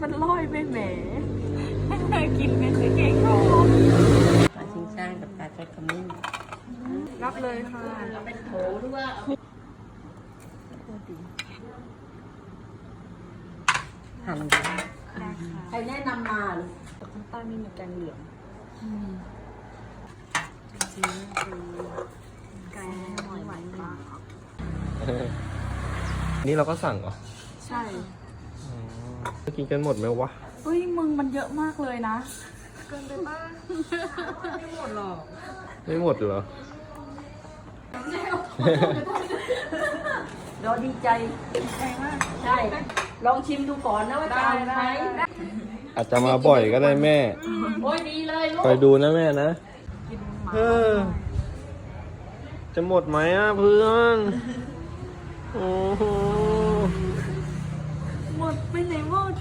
มันลอยไปแหมกินเป็นเก่งโตปลาชิงช่างกับปลาทอดขมิ้นรับเลยค่ะเราเป็นโถหรือว่าหั่นดูใครแนะนำมาหรือข้างใต้ไม่มีแกงเหลืองแกงหอยหวานปลานี่เราก็สั่งเหรอใช่จะกินกันหมดไหมวะเฮ้ยมึงมันเยอะมากเลยนะไม่หมดหรอกไม่หมดเหรอเราดีใจใช่ลองชิมดูก่อนนะว่าจะเอาไหมอาจจะมาบ่อยก็ได้แม่โอ้ยดีเลยลูกไปดูนะแม่นะกินหมาเออ จะหมดไหมอ่ะเพื่อน โอ้โหหมดไปไหนหมด